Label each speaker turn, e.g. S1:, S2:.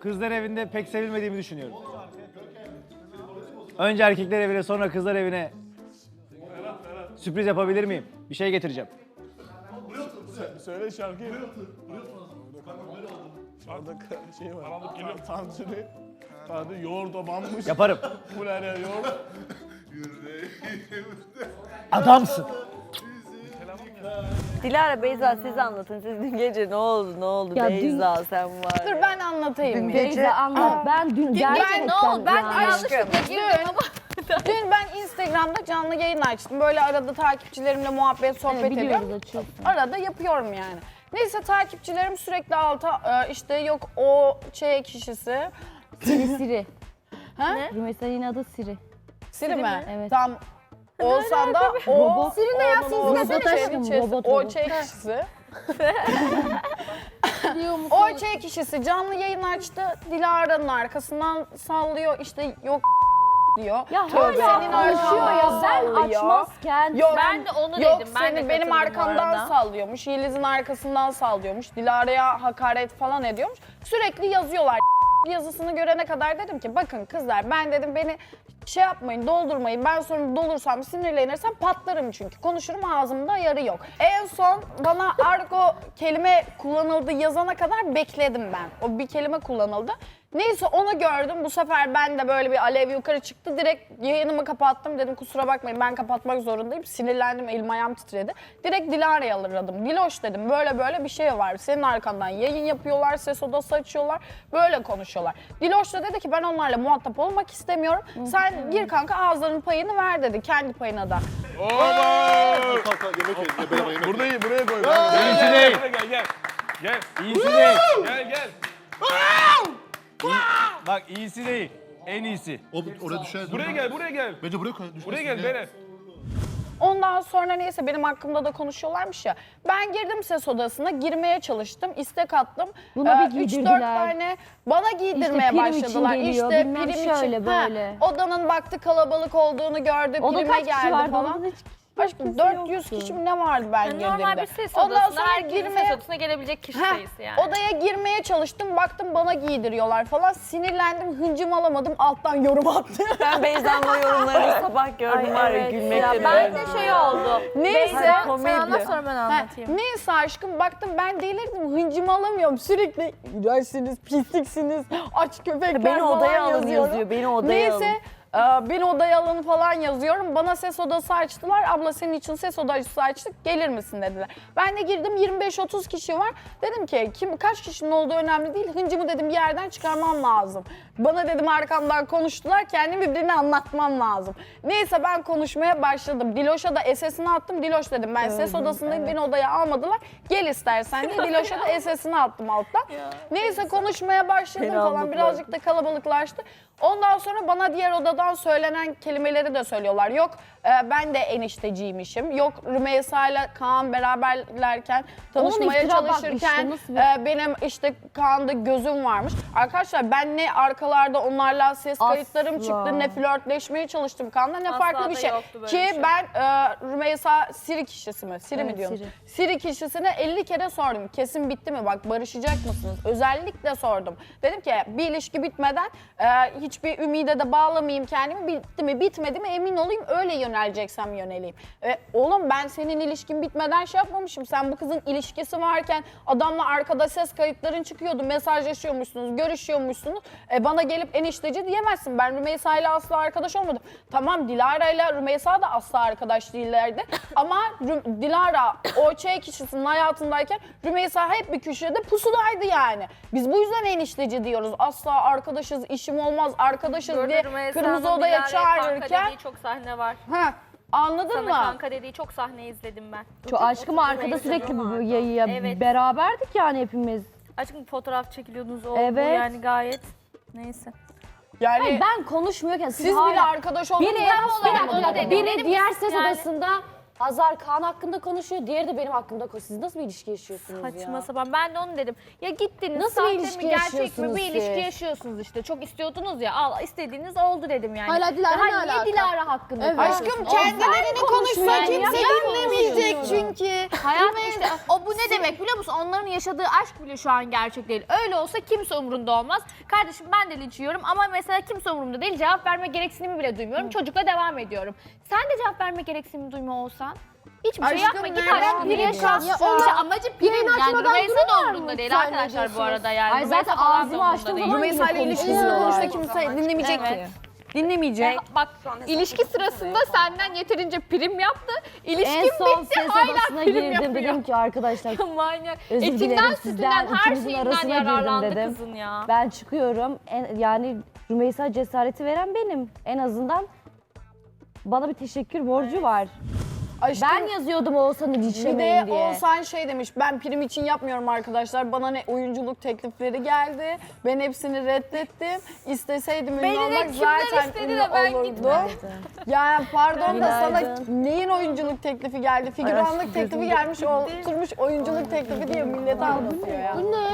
S1: kızlar evinde pek sevilmediğimi düşünüyorum. Önce erkekler evine sonra kızlar evine sürpriz yapabilir miyim? Bir şey getireceğim.
S2: Söyle şarkıyı. Şurada şey var. Tantuni yoğurda banmış.
S1: Yaparım.
S2: Kulere yoğurt.
S1: Adamsın.
S3: Dilara, Beyza siz anlatın. Siz dün gece ne oldu?
S4: Ya
S3: Beyza sen var.
S5: Dur ben anlatayım.
S4: Beyza anlat. Ben dün gerçekten...
S5: ne oldu? Ben
S4: yani-
S5: yanlışlıkla girdim ama. Dün ben Instagram'da canlı yayın açtım. Böyle arada takipçilerimle muhabbet, sohbet
S4: Evet, biliyoruz,
S5: ediyorum.
S4: açıyorsun.
S5: Arada yapıyorum yani. Neyse takipçilerim sürekli alta işte yok o kişisi.
S4: Siri.
S5: Ha?
S4: Rümeysa'nın adı Siri.
S5: Siri mi?
S4: Evet.
S5: Tam olsan da o.
S4: Robot.
S5: Siri ne ya?
S4: Robot aşkım, robot.
S5: O kişisi. O kişisi canlı yayın açtı. Dilara'nın arkasından sallıyor. İşte yok diyor.
S4: Ya
S5: Tövbe.
S4: hala
S5: Senin
S4: konuşuyor ya.
S5: arkandan
S4: Ben
S5: sallıyor.
S4: açmazken...
S5: Yok,
S6: Ben de onu
S5: yok,
S6: dedim. Ben de
S5: seni benim
S6: katıldım bu
S5: arkamdan
S6: arada.
S5: sallıyormuş. Yeliz'in arkasından sallıyormuş. Dilara'ya hakaret falan ediyormuş. Sürekli yazıyorlar. Yazısını görene kadar dedim ki bakın kızlar ben dedim beni şey yapmayın doldurmayın. Ben sonra dolursam sinirlenirsem patlarım çünkü. Konuşurum ağzımda yarı yok. En son bana argo kelime kullanıldı yazana kadar bekledim ben. O bir kelime kullanıldı. Neyse onu gördüm. Bu sefer ben de böyle bir alev yukarı çıktı. Direkt yayınımı kapattım. Dedim kusura bakmayın ben kapatmak zorundayım. Sinirlendim, elim ayağım titredi. Direkt Dilara'yı alırladım. Diloş dedim böyle böyle bir şey var. Senin arkandan yayın yapıyorlar, ses odası açıyorlar. Böyle konuşuyorlar. Diloş da dedi ki ben onlarla muhatap olmak istemiyorum. Sen gir kanka ağızlarının payını ver dedi. Kendi payına da.
S2: Buraya koy.
S1: İyisi değil.
S2: Gel.
S1: İyisi değil.
S2: Gel.
S1: Bak iyisi değil. En iyisi.
S7: Oraya düşer.
S2: Buraya gel.
S7: Bence buraya koy.
S2: Buraya gel Berat.
S5: Ondan sonra neyse benim hakkımda da konuşuyorlarmış ya. Ben girdim ses odasına, girmeye çalıştım, istek attım.
S4: Buna bir
S5: 3-4
S4: giydirdiler.
S5: tane bana giydirmeye
S4: prim için
S5: başladılar.
S4: geliyor,
S5: İşte
S4: bilmem
S5: prim
S4: şöyle,
S5: için.
S4: böyle.
S5: Odanın baktı kalabalık olduğunu gördü,
S4: O da
S5: prime
S4: kaç kişi
S5: geldi
S4: vardı?
S5: falan.
S4: Onda hiç
S5: Aşkım
S4: kimse
S5: 400
S4: yoktu.
S5: kişi mi ne vardı ben girdiğimde.
S6: Normal bir ses
S5: Ondan
S6: odasında
S5: sonra
S6: herkesin ses odasına gelebilecek kişi sayısı yani.
S5: Odaya girmeye çalıştım, baktım bana giydiriyorlar falan. Sinirlendim, hıncım alamadım, alttan yorum attım.
S3: Ben Beyza'nın o yorumlarını sabah gördüm var ya gülmekten.
S6: Ya ben de şey oldu.
S5: Neyse.
S6: Sen anlat sonra ben anlatayım.
S5: Neyse aşkım baktım ben delirdim hıncımı alamıyorum sürekli iğrençsiniz pisliksiniz aç köpekler
S3: Beni
S5: falan
S3: odaya alın
S5: yazıyorum.
S3: yazıyor, beni odaya alın.
S5: Neyse beni odaya alın falan yazıyorum. Bana ses odası açtılar. Abla senin için ses odası açtık. Gelir misin dediler. Ben de girdim 25-30 kişi var. Dedim ki kaç kişinin olduğu önemli değil. Hıncımı dedim bir yerden çıkarmam lazım. Bana dedim arkamdan konuştular. Kendimi birbirine anlatmam lazım. Neyse ben konuşmaya başladım. Diloş'a da SS'ini attım. Diloş dedim ben ses odasındayım. Beni odaya almadılar. Gel istersen diye Diloş'a da SS'ini attım alttan. Neyse konuşmaya başladım falan.
S3: aldılar.
S5: Birazcık da kalabalıklaştı. Ondan sonra bana diğer odadan söylenen kelimeleri de söylüyorlar. Yok ben de enişteciymişim. Yok Rümeysa ile Kaan beraberlerken tanışmaya
S4: iftira bak
S5: çalışırken
S4: işte, nasıl
S5: benim işte Kaan'da gözüm varmış. Arkadaşlar ben ne arkalarda onlarla ses kayıtlarım
S4: Asla.
S5: çıktı ne flörtleşmeye çalıştım Kaan'la ne
S6: Asla
S5: farklı
S6: da
S5: bir şey.
S6: yoktu böyle
S5: Ki
S6: bir şey.
S5: ben Rümeysa Siri kişisi mi? Siri mi
S4: Evet,
S5: diyorsunuz?
S4: Siri.
S5: Siri kişisine 50 kere sordum. Kesin bitti mi? Bak barışacak mısınız? Özellikle sordum. Dedim ki bir ilişki bitmeden hiçbir ümide de bağlamayayım kendimi. Bitti mi bitmedi mi emin olayım öyle yöneleceksem yöneleyim. Oğlum ben senin ilişkin bitmeden şey yapmamışım. Sen bu kızın ilişkisi varken adamla arkada ses kayıtların çıkıyordu. Mesajlaşıyormuşsunuz, görüşüyormuşsunuz. Bana gelip enişteci diyemezsin. Ben Rümeysa ile asla arkadaş olmadım. Tamam Dilara ile Rümeysa da asla arkadaş değillerdi. Ama Dilara o kişisinin hayatındayken Rümeysa hep bir köşede pusudaydı yani. Biz bu yüzden enişteci diyoruz. Asla arkadaşız, işim olmaz, arkadaşız diye kırmızı odaya çağırırken.
S6: Kanka dediği çok sahne var.
S5: Anladın
S6: Sana
S5: mı?
S6: kanka dediği çok sahne izledim ben.
S4: Çok aşkım arkada sürekli bu yayıya
S6: Evet.
S4: beraberdik yani hepimiz.
S6: Aşkım fotoğraf çekiliyordunuz o
S4: Evet.
S6: bu yani gayet. Neyse.
S5: Yani
S4: Ben konuşmuyorken
S5: siz bile arkadaş olmanız
S4: biri,
S5: ben
S4: bir dakika,
S6: dedim.
S4: biri
S6: Dedim
S4: diğer
S6: ki
S4: ses
S6: yani-
S4: odasında
S7: Azar Kaan hakkında konuşuyor, diğeri de benim hakkımda konuşuyor. Siz nasıl bir ilişki yaşıyorsunuz
S6: Saçma
S7: ya?
S6: sapan. Ben de onu dedim. Ya gittiniz
S7: Nasıl bir
S6: sahte
S7: ilişki
S6: mi gerçek mi
S7: yaşıyorsunuz
S6: bir ilişki
S7: siz?
S6: yaşıyorsunuz işte. Çok istiyordunuz ya. Al istediğiniz oldu dedim yani.
S4: Hala Dilara
S6: Daha
S4: ne
S6: niye
S4: alaka?
S6: Dilara hakkında
S4: Evet.
S6: konuşuyorsun?
S5: Aşkım
S6: O
S5: kendilerini konuşsa
S6: ben
S5: kimse
S6: ya, ben
S5: dinlemeyecek
S6: konuşuyorum.
S5: çünkü.
S6: Hayatım işte o bu ne demek biliyor musun? Onların yaşadığı aşk bile şu an gerçek değil. Öyle olsa kimse umurunda olmaz. Kardeşim ben de linç yiyorum ama mesela kimse umurumda değil. Cevap verme gereksinimi bile duymuyorum. Çocukla devam ediyorum. Sen de cevap verme gereksinimi duymuyor olsan hiçbir şey
S5: Aşkım,
S6: yapma. Git
S5: nereden
S6: aşk bir
S5: biliyorsun?
S6: yaşa. İşte amacı prim. Yani Rümeysa da
S4: duruyorlar
S6: umurunda
S4: mı?
S6: değil
S4: Sen ne
S6: arkadaşlar bu
S4: diyorsunuz?
S6: arada yani.
S7: Ay
S6: Rümeysa
S7: zaten
S6: falan da
S7: ağzımı
S6: umurunda
S7: açtığım
S6: değil.
S7: zaman
S5: Rümeysa ile ilişkisini konuşta kimse dinlemeyecek
S6: Evet.
S5: ki. Dinlemeyecek.
S6: Bak ilişki sırasında senden yeterince prim yaptı. İlişkin
S7: En son
S6: bitti
S7: ses
S6: hala
S7: odasına
S6: prim
S7: girdim,
S6: yapıyor.
S7: dedim ki arkadaşlar
S6: Manyak.
S7: özür
S6: Etinden
S7: dilerim
S6: sütünden
S7: sizden,
S6: her
S7: ikinizin
S6: şeyinden
S7: arasına girdim
S6: yararlandı
S7: dedim.
S6: kızın ya.
S7: Ben çıkıyorum, yani Rümeysa cesareti veren benim. En azından bana bir teşekkür borcu var.
S5: Aşkım,
S7: Ben yazıyordum Oğuzhan'ı
S5: bir de
S7: linçlemeyin diye.
S5: Oğuzhan şey demiş, ben prim için yapmıyorum arkadaşlar. Bana ne oyunculuk teklifleri geldi. Ben hepsini reddettim. İsteseydim
S6: Beni
S5: ünlü
S6: de
S5: olmak
S6: kimler
S5: zaten
S6: istedi
S5: ünlü
S6: de ben
S5: olurdu.
S6: gitmedim.
S5: Yani pardon da sana
S7: Günaydın.
S5: neyin oyunculuk teklifi geldi? Figüranlık teklifi gelmiş, oturmuş oyunculuk teklifi diye millete anlatıyor ya.
S4: Bu ne?